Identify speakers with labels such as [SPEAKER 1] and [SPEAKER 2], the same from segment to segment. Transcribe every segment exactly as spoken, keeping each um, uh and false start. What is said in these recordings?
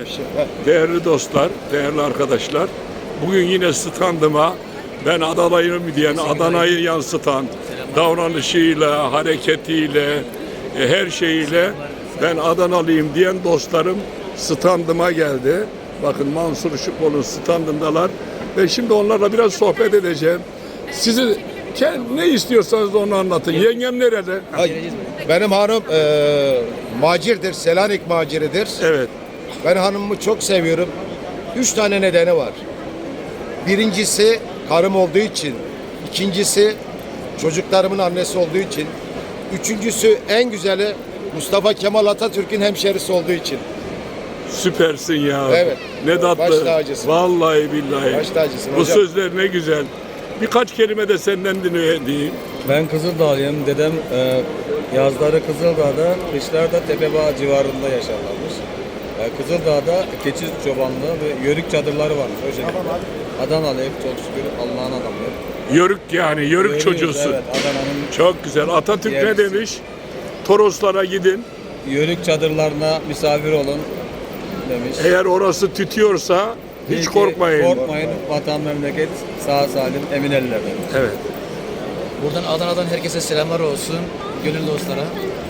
[SPEAKER 1] Değerli dostlar, değerli arkadaşlar, bugün yine standıma ben Adana'yım diyen, Adana'yı yansıtan davranışıyla, hareketiyle, e, her şeyiyle ben Adanalıyım diyen dostlarım standıma geldi. Bakın Mansur Işıkbol'un standındalar ve şimdi onlarla biraz sohbet edeceğim. Sizi ne istiyorsanız onu anlatın. Yengem nerede?
[SPEAKER 2] Ay, benim hanım e, macirdir, Selanik maciridir.
[SPEAKER 1] Evet.
[SPEAKER 2] Ben hanımımı çok seviyorum. Üç tane nedeni var. Birincisi karım olduğu için. İkincisi çocuklarımın annesi olduğu için. Üçüncüsü en güzeli Mustafa Kemal Atatürk'ün hemşerisi olduğu için.
[SPEAKER 1] Süpersin ya.
[SPEAKER 2] Evet.
[SPEAKER 1] Ne tatlı.
[SPEAKER 2] Baş tacısın.
[SPEAKER 1] Vallahi billahi.
[SPEAKER 2] Baş tacısın
[SPEAKER 1] Bu
[SPEAKER 2] hocam.
[SPEAKER 1] sözler ne güzel. Birkaç kelime de senden dinleyeyim.
[SPEAKER 3] Ben Kızıldağlıyım. Dedem e, yazları Kızıldağ'da, kışlarda Tepebağ civarında yaşarlarmış. E, Kızıldağ'da keçi çobanlığı ve yörük çadırları varmış o şekilde. Adanalıyım çok şükür, Allah'ın adamıyım.
[SPEAKER 1] Yörük yani, yörük
[SPEAKER 3] Yörüğüz,
[SPEAKER 1] çocuğusun.
[SPEAKER 3] Evet, Adana'nın
[SPEAKER 1] Çok güzel. Atatürk ne
[SPEAKER 3] yerlisi.
[SPEAKER 1] demiş? Toroslara gidin.
[SPEAKER 3] yörük çadırlarına misafir olun demiş.
[SPEAKER 1] Eğer orası tütüyorsa hiç
[SPEAKER 3] İyi ki
[SPEAKER 1] korkmayın.
[SPEAKER 3] Korkmayın, vatan memleket sağ salim emin ellerde.
[SPEAKER 1] Evet.
[SPEAKER 4] Buradan Adana'dan herkese selamlar olsun, gönül dostlara.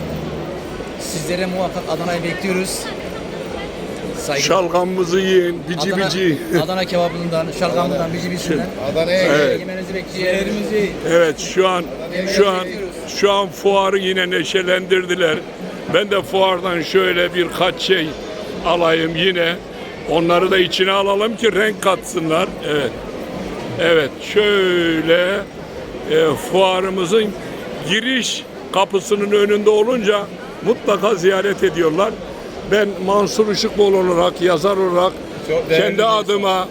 [SPEAKER 4] Sizlere muhakkak Adana'yı bekliyoruz. Saygı.
[SPEAKER 1] Şalgamımızı yiyin, bici
[SPEAKER 4] Adana,
[SPEAKER 1] bici.
[SPEAKER 4] Adana kebabından, şalgamından, bici bicinden.
[SPEAKER 2] Adana'ya
[SPEAKER 1] Evet.
[SPEAKER 4] Yemenizi bekliyoruz.
[SPEAKER 1] Evet, şu an şu an şu an fuarı yine neşelendirdiler. Ben de fuardan şöyle birkaç şey alayım yine. Onları da içine alalım ki renk katsınlar. Evet. Evet, şöyle e, fuarımızın giriş kapısının önünde olunca mutlaka ziyaret ediyorlar. Ben Mansur Işıkbol olarak, yazar olarak
[SPEAKER 3] Çok değerli
[SPEAKER 1] kendi
[SPEAKER 3] bir
[SPEAKER 1] adıma,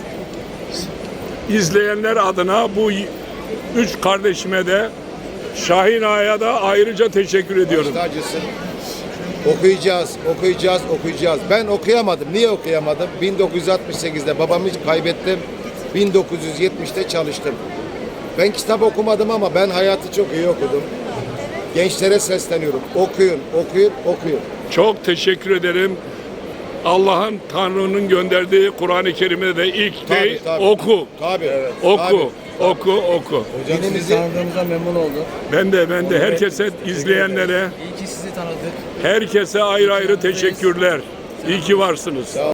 [SPEAKER 1] izleyenler adına bu üç kardeşime de Şahin Ağa'ya da ayrıca teşekkür ediyorum.
[SPEAKER 2] Baş tacısın. Okuyacağız, okuyacağız, okuyacağız. Ben okuyamadım. Niye okuyamadım? bin dokuz yüz altmış sekizde babamı kaybettim. bin dokuz yüz yetmişte çalıştım. Ben kitap okumadım ama ben hayatı çok iyi okudum. Gençlere sesleniyorum. Okuyun, okuyun, okuyun.
[SPEAKER 1] Çok teşekkür ederim. Allah'ın, Tanrı'nın gönderdiği Kur'an-ı Kerim'de de ilk
[SPEAKER 2] Tabii,
[SPEAKER 1] ne?
[SPEAKER 2] tabii.
[SPEAKER 1] Oku.
[SPEAKER 2] Tabii. Evet.
[SPEAKER 1] Oku, oku, oku.
[SPEAKER 3] Hocam
[SPEAKER 2] Dinimizi-
[SPEAKER 3] sizi tanıdığımıza memnun oldum.
[SPEAKER 1] Ben de, ben de herkese, izleyenlere,
[SPEAKER 4] İyi ki sizi tanıdık.
[SPEAKER 1] herkese ayrı ayrı teşekkürler. İyi ki varsınız.